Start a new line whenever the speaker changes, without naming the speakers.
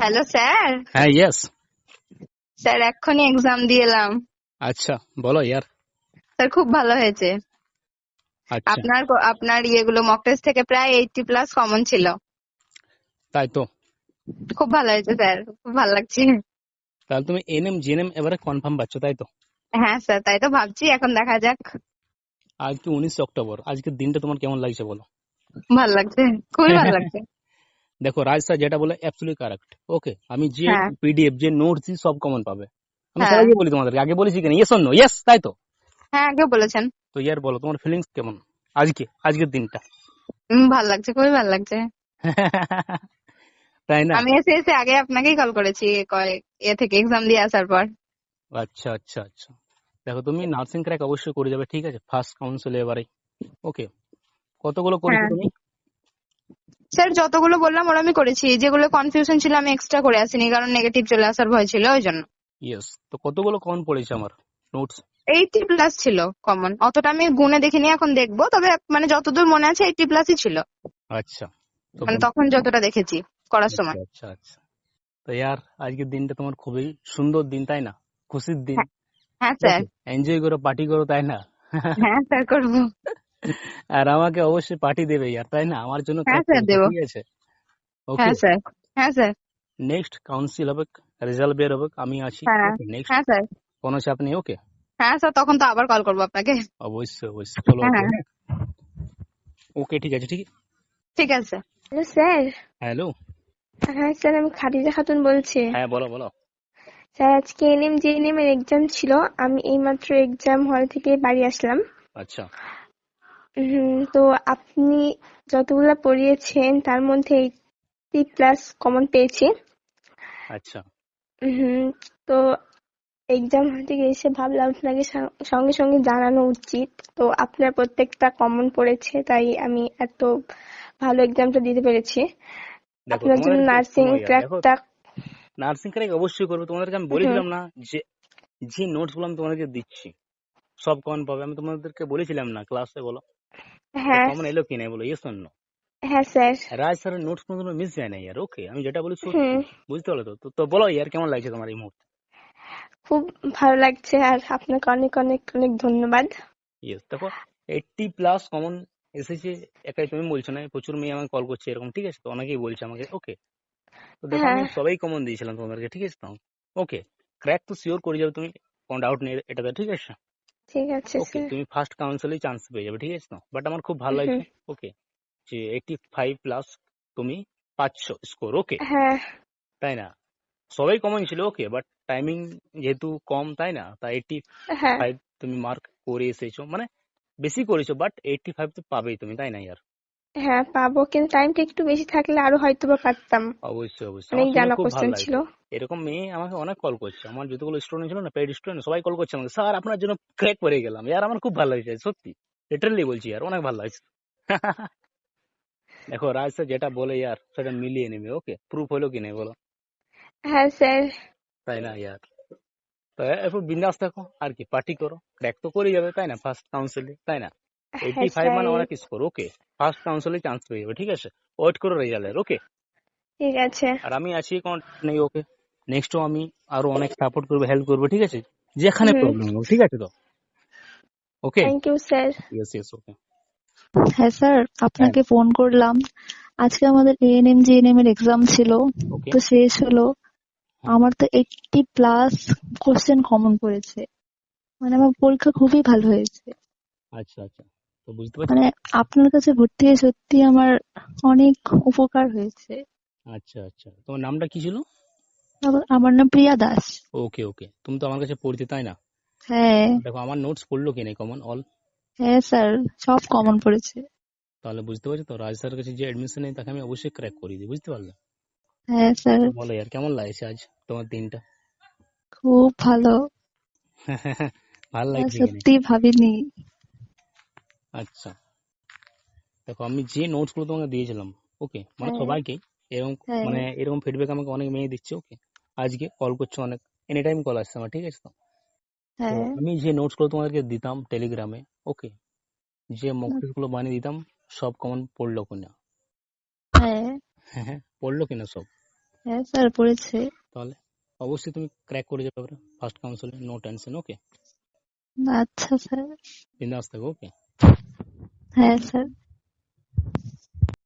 Hello sir.
হ্যাঁ yes.
Sir এক্ষুনি exam দিয়ে এলাম।
আচ্ছা বলো ইয়ার।
স্যার খুব ভালো হয়েছে।
আচ্ছা
আপনার ইয়েগুলো মক টেস্ট থেকে প্রায় 80+ কমন ছিল।
তাই তো।
খুব ভালো হয়েছে স্যার, খুব ভালো লাগছে।
তাহলে তুমি এনএম জিএনএম এবারে কনফার্ম পাচ্ছ তাই তো?
হ্যাঁ স্যার, তাই তো ভাবছি, এখন দেখা যাক।
আজকে 19 অক্টোবর, আজকের দিনটা তোমার কেমন লাগছে বলো?
ভালো লাগছে, খুবই ভালো লাগছে।
দেখো রাজ স্যার যেটা বলে অ্যাবসলিউটলি কারেক্ট। ওকে, আমি যে
হ্যাঁ
পিডিএফ যে নোটস দিই সব কমন পাবে। আমি
হ্যাঁ
সবাইকে বলি, তোমাদেরকে আগে বলেছি কিনা? Yes or no? ইয়েস তাই তো।
হ্যাঁ, আগেও বলেছেন।
তো ইয়ার বলো তোমার ফিলিংস কেমন আজকের দিনটা?
ভালো লাগছে, খুবই ভালো লাগছে।
তাই না?
আমি এসে এসে আগে আপনাকেই কল করেছি, এ থেকে এক্সাম দিয়ে আসার পর।
আচ্ছা আচ্ছা আচ্ছা। দেখো তুমি নার্সিং ক্র্যাক অবশ্যই করে যাবে, ঠিক আছে? ফার্স্ট কাউন্সিল এবারে। ওকে, কতগুলো করেছো
হ্যাঁ
তুমি?
স্যার, যতগুলো বললাম ওরা আমি করেছি, যেগুলো কনফিউশন ছিল আমি এক্সট্রা করে আসিনি, কারণ নেগেটিভ চলে আসার ভয় ছিল ওই জন্য।
ইয়েস, তো কতগুলো কমন পড়েছে আমার নোটস?
80+ ছিল কমন, অতটা আমি গুনে দেখিনি, এখন দেখবো, তবে মানে যতদূর মনে আছে 80+ই ছিল,
আচ্ছা তো
মানে তখন যতটা দেখেছি করার
আচ্ছা
সময়।
আচ্ছা আচ্ছা। তো ইয়ার আজকের দিনটা তোমার খুবই সুন্দর দিন তাই না? খুশির দিন।
হ্যাঁ হ্যাঁ স্যার।
ওকে, এনজয় করো, পার্টি করো তাই না?
হ্যাঁ স্যার, করবো।
আর আমাকে অবশ্যই পার্টি দেবে ইয়ার তাই না? আমার জন্য
হ্যাঁ
ক্র্যাক
স্যার,
করেছে,
দেবো।
ঠিক আছে? ওকে,
হ্যাঁ স্যার। হ্যাঁ স্যার।
নেক্সট কাউন্সিল হবে, রেজাল্ট বের হবে, আমি আছি।
হ্যাঁ
ওকে নেক্সট,
হ্যাঁ স্যার।
কোনো চাপ নেই। ওকে,
হ্যাঁ স্যার, তখন তো আবার কল করবো আপনাকে।
অবশ্যই অবশ্যই, চলো
হ্যাঁ
ওকে।
হ্যাঁ,
হ্যাঁ ওকে, ঠিক আছে ঠিক।
ঠিক আছে।
Hello sir.
হ্যালো।
হ্যাঁ স্যার, আমি খাদিজা খাতুন বলছি।
হ্যাঁ বলো বলো।
স্যার, আজকে এনএম জেএনএম এর এক্সাম ছিল। আমি এইমাত্র এক্সাম হল থেকে বাড়ি আসলাম।
আচ্ছা
তো আপনি যতগুলা পড়িয়েছেন তার মধ্যে 80+ কমন পেয়েছি।
আচ্ছা
হুম, তো এক্সাম হল থেকে এসে ভাবলাম আপনাকে সঙ্গে সঙ্গে জানানো উচিত। তো আপনার প্রত্যেকটা কমন পড়েছে, তাই আমি এত ভালো এক্সামটা দিতে পেরেছি।
দেখো
আপনার জন্য
তোমাদেরকে
নার্সিং
শোনো ইয়ার, দেখো
ক্র্যাকটা।
নার্সিং ক্র্যাক অবশ্যই করবে। তোমাদেরকে আমি
হুম,
বলেছিলাম না যে যে নোটস গুলো আমি তোমাদেরকে দিচ্ছি সব কমন পাবে? আমি তোমাদেরকে বলেছিলাম না ক্লাসে? বলো তো
হ্যাঁ
কমন এলো কিনা, বলো ইয়েস অর নো?
হ্যাঁ স্যার।
রাজ স্যারের নোটস কোনো মিস যায় না ইয়ার। ওকে, আমি যেটা বলি সত্যি,
হুম,
বুঝতে পারলো তো? তো বলো ইয়ার, কেমন লাগছে তোমার এই মুহূর্তে?
খুব ভালো লাগছে, আর আপনাকে অনেক অনেক অনেক ধন্যবাদ।
ইয়েস, দেখো 80+ কমন এসেছে। একাই তুমি বলছো না, প্রচুর মেয়ে আমাকে কল করছে এরকম, ঠিক আছে? তো অনেকেই বলছে আমাকে। ওকে, তো দেখো আমি
হ্যাঁ,
সবাই কমন দিয়েছিলাম তোমাদেরকে, ঠিক আছে? তো ওকে, ক্র্যাক তো শিওর করে যাবে তুমি, কোনো ডাউট নেই এটাতে, ঠিক আছে?
ঠিক আছে
ওকে,
স্যার।
তুমি ফার্স্ট কাউন্সিলেই চান্স পেয়ে যাবে, ঠিক আছে? তো বাট আমার খুব ভালো
হুম,
লাগছে। ওকে, যে 85+ তুমি পাচ্ছ স্কোর। ওকে,
হ্যাঁ
তাই না? সবাই কমন ছিল। ওকে, বাট টাইমিং যেহেতু কম তাই না, তাই 85
হ্যাঁ
তুমি মার্ক করে এসেছো, মানে বেশি করেছো, বাট 85 তো পাবেই তুমি, তাই না ইয়ার?
হ্যাঁ, পাবো, কিন্তু টাইমটা একটু বেশি থাকলে আরো হয়তো বা পারতাম।
অবশ্যই অবশ্যই,
অনেক
আমার শুনে
জানা
খুব ভালো
কোশ্চেন ছিল।
লাগছে। এরকম মেয়ে আমাকে অনেক কল করছে, আমার যতগুলো স্টুডেন্ট ছিল না, পেড স্টুডেন্ট, সবাই কল করছে আমাকে, স্যার আপনার জন্য ক্র্যাক করে গেলাম। ইয়ার আমার খুব ভালো লাগছে সত্যি, লিটারালি বলছি ইয়ার, অনেক ভালো লাগছে। দেখো রাজ স্যার যেটা বলে ইয়ার সেটা মিলিয়ে নেবে। ওকে, প্রুফ হলো কি নেই বলো?
হ্যাঁ স্যার।
তাই না ইয়ার? তো এরপর বিন্দাস থাকো, আর কি পার্টি করো, ক্র্যাক তো করে যাবে তাই না ফার্স্ট কাউন্সিলে, তাই না?
হ্যাঁ
85
স্যার।
মানে অনেক স্কোর। ওকে, ফার্স্ট কাউন্সিলে চান্স পেয়ে যাবে, ঠিক আছে? ওয়েট করো রেজাল্টের। ওকে,
ঠিক আছে।
আর আমি আছি, কোনো নেই। ওকে, নেক্সটও আমি আরো অনেক সাপোর্ট করবো, হেল্প করবো, ঠিক আছে? যেখানে
হুম,
প্রবলেম হোক, ঠিক আছে তো? Okay,
thank you sir.
Yes yes, okay.
হ্যাঁ স্যার,
হ্যাঁ,
আপনাকে ফোন করলাম। আজকে আমাদের এএনএম জিএনএম এর এক্সাম ছিল,
ওকে।
তো শেষ হলো।
হ্যাঁ,
আমার তো 80+ কোশ্চেন কমন পড়েছে, মানে আমার পরীক্ষা খুবই ভালো হয়েছে।
আচ্ছা আচ্ছা, তো বুঝতে পারছি।
মানে আপনার কাছে ভর্তি হয়ে সত্যি আমার অনেক উপকার হয়েছে।
আচ্ছা আচ্ছা, তোমার নামটা কি ছিল?
আমার নাম প্রিয়া দাস।
ওকে ওকে, তুমি তো আমার কাছে পড়তে তাই না?
হ্যাঁ
দেখো আমার নোটস পড়লো কি নেই কমন অল?
হ্যাঁ স্যার, সব কমন পড়েছে।
তাহলে বুঝতে পারছি তো, রাজ স্যারের কাছে যে এডমিশন নেই তাকে আমি অবশ্যই ক্র্যাক করিয়ে দিই, বুঝতে পারলে?
হ্যাঁ স্যার,
তো বলো ইয়ার, কেমন লাগছে আজ তোমার দিনটা?
খুব ভালো।
ভালো লাগছে কি নেই?
সত্যি ভাবিনি।
আচ্ছা, দেখো আমি যে নোটস গুলো তোমাকে দিয়েছিলাম, ওকে, মানে
হ্যাঁ
সবাইকে এরকম,
হ্যাঁ
মানে এরকম ফিডব্যাক আমাকে অনেক মেয়ে দিচ্ছে। ওকে, আজকে কল করছে অনেক, এনি টাইম কল আসছে আমার, ঠিক আছে? তো তো
হ্যাঁ
আমি যে নোটস গুলো তোমাদেরকে দিতাম টেলিগ্রামে, ওকে, যে মক টেস্ট গুলো বানিয়ে দিতাম, সব কমন পড়লো কিনা?
হ্যাঁ।
হ্যাঁ হ্যাঁ, পড়লো কিনা সব?
হ্যাঁ স্যার পড়েছে।
তাহলে অবশ্যই তুমি ক্র্যাক করে যাবে ফার্স্ট কাউন্সিলে, নো টেনশন। ওকে,
আচ্ছা স্যার।
বিন্দাস থাকো। ওকে।
হ্যাঁ স্যার।